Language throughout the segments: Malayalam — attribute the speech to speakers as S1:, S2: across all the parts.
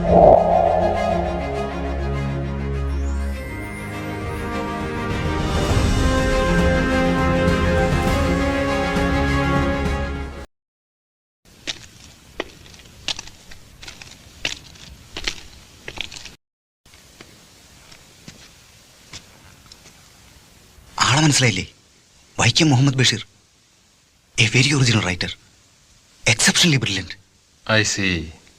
S1: ആളെ മനസ്സിലായില്ലേ? Vaikom Muhammad Basheer, a very original writer, exceptionally brilliant.
S2: I see.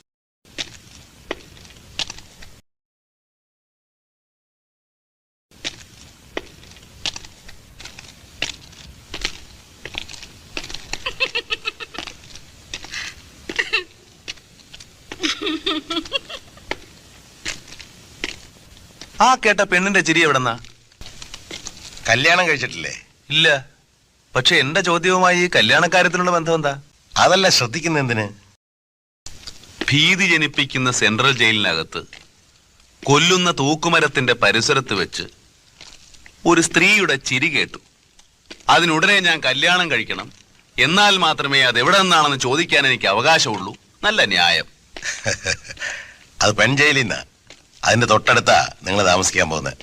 S3: ആ കേട്ട പെണ്ണിന്റെ ചിരി എവിടെന്നാ?
S4: കല്യാണം കഴിച്ചിട്ടില്ലേ?
S3: ഇല്ല. പക്ഷെ എന്റെ ചോദ്യവുമായി കല്യാണക്കാര്യത്തിനുള്ള ബന്ധം എന്താ?
S4: അതല്ല ശ്രദ്ധിക്കുന്ന എന്തിന്?
S3: ഭീതി ജനിപ്പിക്കുന്ന സെൻട്രൽ ജയിലിനകത്ത് കൊല്ലുന്ന തൂക്കുമരത്തിന്റെ പരിസരത്ത് വെച്ച് ഒരു സ്ത്രീയുടെ ചിരി കേട്ടു. അതിനുടനെ ഞാൻ കല്യാണം കഴിക്കണം, എന്നാൽ മാത്രമേ അത് എവിടെ നിന്നാണെന്ന് ചോദിക്കാൻ എനിക്ക് അവകാശമുള്ളൂ. നല്ല ന്യായം.
S4: അത് പെൺ ജയിലിൽ നിന്നാ. അതിന്റെ തൊട്ടടുത്താ നിങ്ങൾ താമസിക്കാൻ പോകുന്നത്.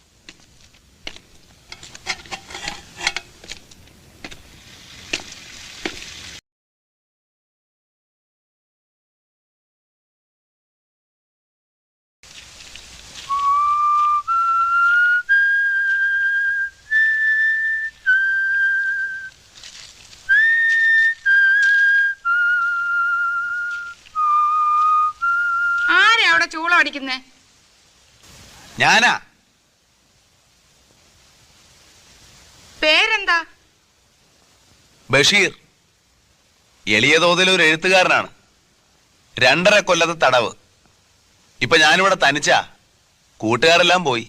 S5: ചൂളം അടിക്കുന്നേ?
S3: ഞാനാ.
S5: പേരെന്താ?
S3: ബഷീർ. എളിയ തോതിൽ ഒരു എഴുത്തുകാരനാണ്. 2.5 കൊല്ലത്തെ തടവ്. ഇപ്പൊ ഞാനിവിടെ തനിച്ചാ. കൂട്ടുകാരെല്ലാം പോയി.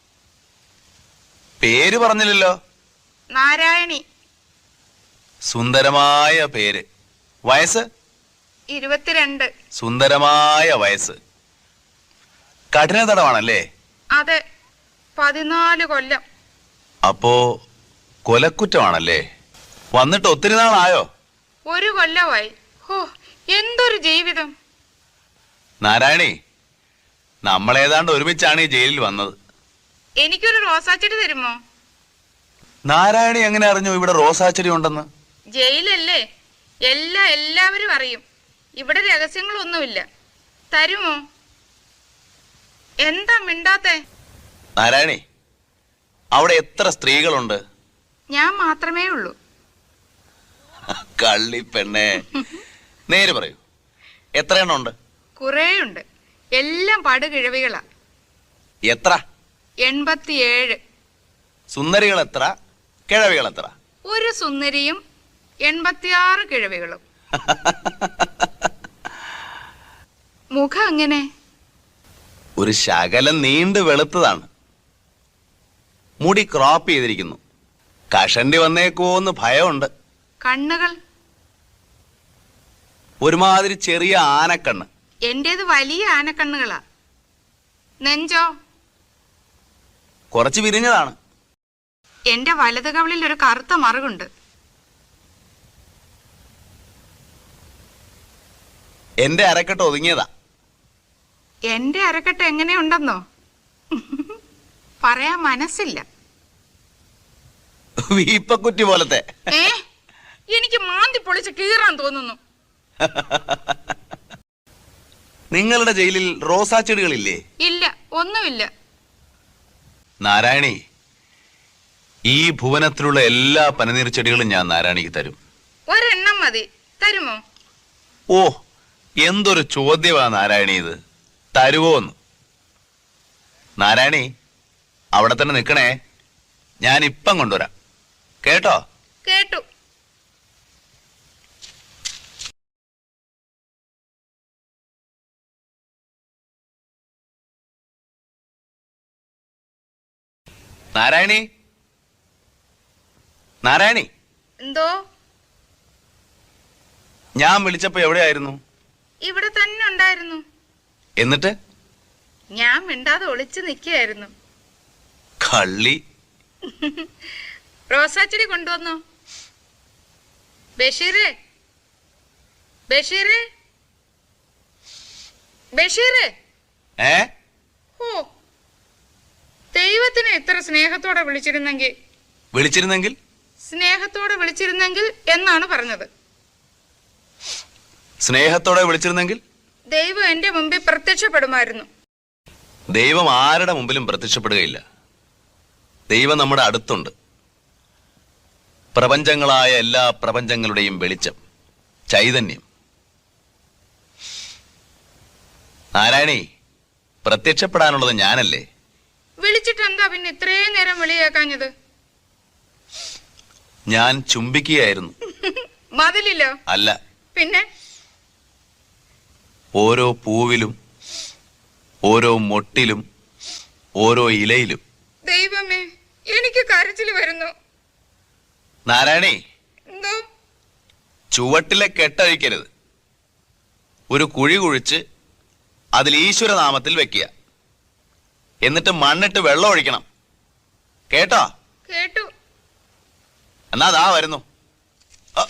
S3: പേര് പറഞ്ഞില്ലല്ലോ.
S5: നാരായണി.
S3: സുന്ദരമായ പേര്. വയസ്സ്?
S5: 22.
S3: സുന്ദരമായ വയസ്സ്. കഠിന തടവാണല്ലേ?
S5: അതെ, 14 കൊല്ലം.
S3: അപ്പോ കൊലക്കുറ്റമാണല്ലേ? വന്നിട്ട് ഒത്തിരി നാളായോ?
S5: 1 കൊല്ലമായി. ഓ, എന്തൊരു ജീവിതം.
S3: നാരായണി, നമ്മളേതാണ്ട് ഒരുമിച്ചാണ് ഈ ജയിലിൽ വന്നത്.
S5: എനിക്കൊരു റോസാച്ചെടി തരുമോ?
S3: നാരായണി എങ്ങനെ അറിഞ്ഞു ഇവിടെ റോസാച്ചെടി ഉണ്ടെന്ന്?
S5: ജയിലല്ലേ, എല്ലാവരും അറിയും. ഇവിടെ രഹസ്യങ്ങളൊന്നുമില്ല. തരുമോ? എന്താ മിണ്ടാത്തെ?
S3: നാരായണി, അവിടെ എത്ര സ്ത്രീകളുണ്ട്?
S5: ഞാൻ മാത്രമേ ഉള്ളൂ.
S3: കള്ളി പെണ്ണേ, നേര് പറയൂ, എത്ര എണ്ണം ഉണ്ട്?
S5: കുറേയുണ്ട്. എല്ലാം പടുകിഴവികളാ.
S3: എത്ര?
S5: 87.
S3: സുന്ദരികൾ എത്ര? കിഴവികൾ എത്ര?
S5: ഒരു സുന്ദരിയും 86 കിഴവികളും. മുഖം അങ്ങനെ
S3: ഒരു ശകലം നീണ്ടു വെളുത്തതാണ്. മുടി ക്രോപ്പ് ചെയ്തിരിക്കുന്നു. കഷണ്ടി വന്നേക്കുവോന്ന് ഭയമുണ്ട്.
S5: കണ്ണുകൾ
S3: ഒരുമാതിരി ചെറിയ ആനക്കണ്ണ്.
S5: എന്റേത് വലിയ ആനക്കണ്ണുകളാ. നെഞ്ചോ?
S3: കുറച്ച് വിരിഞ്ഞതാണ്.
S5: എന്റെ വലത് കവിളിൽ ഒരു കറുത്ത മറുകുണ്ട്.
S3: എന്റെ അരക്കെട്ട് ഒതുങ്ങിയതാ.
S5: എന്റെ അരക്കെട്ട് എങ്ങനെയുണ്ടെന്നോ പറയാൻ മനസ്സില്ല.
S3: വീപ്പക്കുറ്റി പോലത്തെ.
S5: എനിക്ക് മാന്തി പൊളിച്ച് കീറാൻ തോന്നുന്നു.
S3: നിങ്ങളുടെ ജയിലിൽ റോസാ ചെടികളില്ലേ?
S5: ഇല്ല, ഒന്നുമില്ല.
S3: നാരായണി, ഈ ഭുവനത്തിലുള്ള എല്ലാ പനിനീർ ചെടികളും ഞാൻ നാരായണിക്ക് തരും.
S5: ഒരെണ്ണം മതി. തരുമോ?
S3: ഓ, എന്തൊരു ചോദ്യമാ നാരായണി ഇത്. തരുവോന്ന്? നാരായണി, അവിടെ തന്നെ നിൽക്കണേ. ഞാൻ ഇപ്പം കൊണ്ടുവരാം. കേട്ടോ?
S5: കേട്ടു.
S3: നാരായണി, നാരായണി.
S5: എന്തോ?
S3: ഞാൻ വിളിച്ചപ്പോ എവിടെയായിരുന്നു?
S5: ഇവിടെ തന്നെ ഉണ്ടായിരുന്നു.
S3: എന്നിട്ട്?
S5: ഞാൻ മിണ്ടാതെ ഒളിച്ചു നിൽക്കുകയായിരുന്നു.
S3: കള്ളി.
S5: റോസാച്ചെടി കൊണ്ടുവന്നോ? ബഷീറേ, ബഷീറേ, ബഷീറേ.
S3: ഏ
S5: ഓ, ദൈവത്തിനെ ഇത്ര സ്നേഹത്തോടെ വിളിച്ചിരുന്നെങ്കിൽ
S3: വിളിച്ചിരുന്നെങ്കിൽ
S5: സ്നേഹത്തോടെ വിളിച്ചിരുന്നെങ്കിൽ എന്നാണ് പറഞ്ഞത്.
S3: സ്നേഹത്തോടെ വിളിച്ചിരുന്നെങ്കിൽ
S5: ദൈവം എന്റെ മുമ്പിൽ പ്രത്യക്ഷപ്പെടുമായിരുന്നു.
S3: ദൈവം ആരുടെ മുമ്പിലും പ്രത്യക്ഷപ്പെടുകയില്ല. ദൈവം നമ്മുടെ അടുത്തുണ്ട്. പ്രപഞ്ചങ്ങളായ എല്ലാ പ്രപഞ്ചങ്ങളുടെയും വെളിച്ചം, ചൈതന്യം. നാരായണി, പ്രത്യക്ഷപ്പെടാനുള്ളത് ഞാനല്ലേ?
S5: വിളിച്ചിട്ട് എന്താ പിന്നെ ഇത്രയും നേരം വിളിയേക്കാഞ്ഞത്?
S3: ഞാൻ ചുംബിക്കുകയായിരുന്നു.
S5: മതിലില്ലോ?
S3: അല്ല,
S5: പിന്നെ
S3: ഓരോ പൂവിലും, ഓരോ മൊട്ടിലും, ഓരോ ഇലയിലും.
S5: ദൈവമേ, എനിക്ക് കരച്ചില് വരുന്നു.
S3: നാരായണി,
S5: എന്തോ?
S3: ചുവട്ടിലെ കെട്ടഴിക്കരുത്. ഒരു കുഴി കുഴിച്ച് അതിൽ ഈശ്വരനാമത്തിൽ വെക്കുക. എന്നിട്ട് മണ്ണിട്ട് വെള്ളം ഒഴിക്കണം. കേട്ടോ?
S5: കേട്ടു.
S3: എന്നാ ദാ വരുന്നു. അ.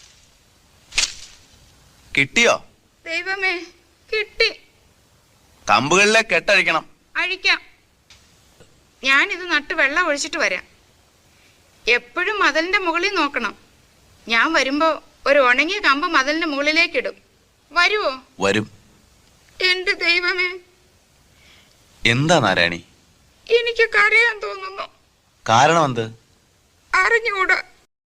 S3: കിട്ടിയോ?
S5: ദൈവമേ, കിട്ടി.
S3: കമ്പുകളിലെ കെട്ടഴിക്കണം.
S5: അഴിക്കാം. ഞാനിത് നട്ട് വെള്ളം ഒഴിച്ചിട്ട് വരാം. എപ്പോഴും മതിലിന്റെ മുകളിൽ നോക്കണം. ഞാൻ വരുമ്പോ ഒരു ഉണങ്ങിയ കമ്പ് മതിലിന്റെ മുകളിലേക്ക് ഇടും. വരുവോ?
S3: വരും.
S5: എന്റെ ദൈവമേ,
S3: എന്താ നാരായണി?
S5: എനിക്ക് കരയാൻ തോന്നുന്നു.
S3: കാരണം എന്ത്?
S5: അറിഞ്ഞൂടാ.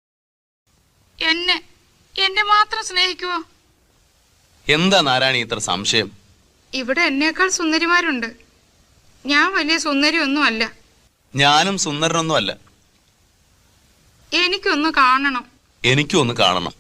S5: എന്നെ മാത്രം സ്നേഹിക്കുവോ?
S3: എന്താ നാരായണി ഇത്ര സംശയം?
S5: ഇവിടെ എന്നേക്കാൾ സുന്ദരിമാരുണ്ട്. ഞാൻ വലിയ സുന്ദരിയൊന്നും അല്ല.
S3: ഞാനും സുന്ദരനൊന്നും അല്ല.
S5: എനിക്കൊന്ന് കാണണം.
S3: എനിക്കും ഒന്ന് കാണണം.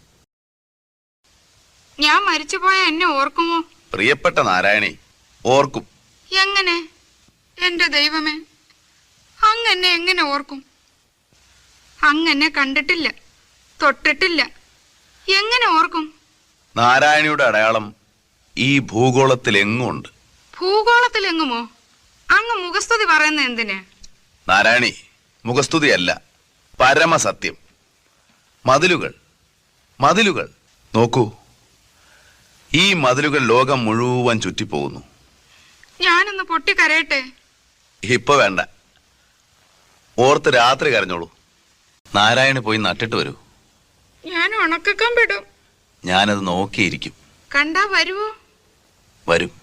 S5: ഞാൻ മരിച്ചുപോയ എന്നെ ഓർക്കുമോ?
S3: പ്രിയപ്പെട്ട നാരായണി, ഓർക്കും.
S5: എങ്ങനെ? എന്റെ ദൈവമേ, അങ്ങെന്നെ എങ്ങനെ ഓർക്കും? അങ്ങെന്നെ കണ്ടിട്ടില്ല, തൊട്ടിട്ടില്ല. എങ്ങനെ ഓർക്കും?
S3: നാരായണിയുടെ അടയാളം ഈ ഭൂഗോളത്തിൽ എങ്ങും ഉണ്ട്.
S5: ഭൂഗോളത്തിലെങ്ങുമോ? അങ്ങ് മുഖസ്തുതി പറയുന്ന എന്തിന്?
S3: നാരായണി, മുഖസ്തുതിയല്ല, പരമസത്യം. മതിലുകൾ, മതിലുകൾ നോക്കൂ. ഈ മതിലുകൾ ലോകം മുഴുവൻ ചുറ്റിപ്പോകുന്നു.
S5: ഞാനൊന്ന് പൊട്ടിക്കരയട്ടെ?
S3: ഇപ്പൊ വേണ്ട. ഓർത്ത് രാത്രി കരഞ്ഞോളൂ. നാരായണി പോയി നട്ടിട്ട് വരൂ.
S5: ഞാൻ ഉണക്കക്കമ്പിടും.
S3: ഞാനത് നോക്കിയിരിക്കും.
S5: കണ്ടാ വരുവോ?
S3: വരും.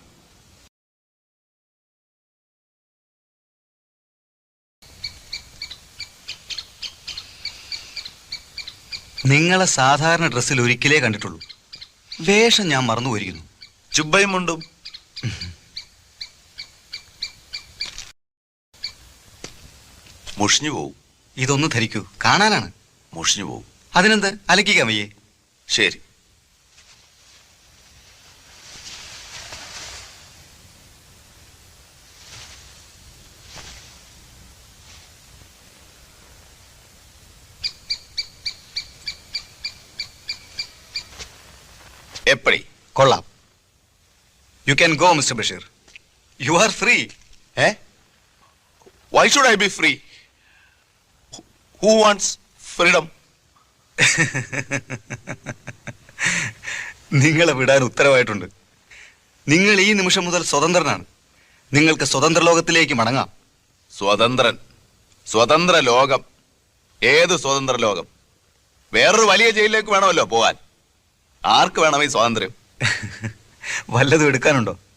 S1: നിങ്ങളെ സാധാരണ ഡ്രസ്സിൽ ഒരിക്കലേ കണ്ടിട്ടുള്ളൂ. വേഷം ഞാൻ മറന്നു പോയിരിക്കുന്നു.
S3: ചുബയും മുണ്ടും. മുഷിഞ്ഞു പോവും.
S1: ഇതൊന്ന് ധരിക്കൂ, കാണാനാണ്.
S3: മുഷിഞ്ഞു പോവും.
S1: അതിനെന്ത്, അലക്കിക്കാൻ വയ്യേ?
S3: ശരി. എപ്പടി?
S1: കൊള്ളാം. You can go mister Basheer. You are free.
S3: Eh? Why should I be free? Who wants freedom?
S1: നിങ്ങളെ വിടാൻ ഉത്തരവായിട്ടുണ്ട്. നിങ്ങൾ ഈ നിമിഷം മുതൽ സ്വതന്ത്രനാണ്. നിങ്ങൾക്ക് സ്വതന്ത്ര ലോകത്തിലേക്ക് മടങ്ങാം.
S3: സ്വതന്ത്രൻ, സ്വതന്ത്ര ലോകം. ഏത് സ്വതന്ത്ര ലോകം? വേറൊരു വലിയ ജയിലിലേക്ക് വേണമല്ലോ പോകാൻ. ആർക്ക് വേണം ഈ സ്വാതന്ത്ര്യം?
S1: വല്ലതും എടുക്കാനുണ്ടോ?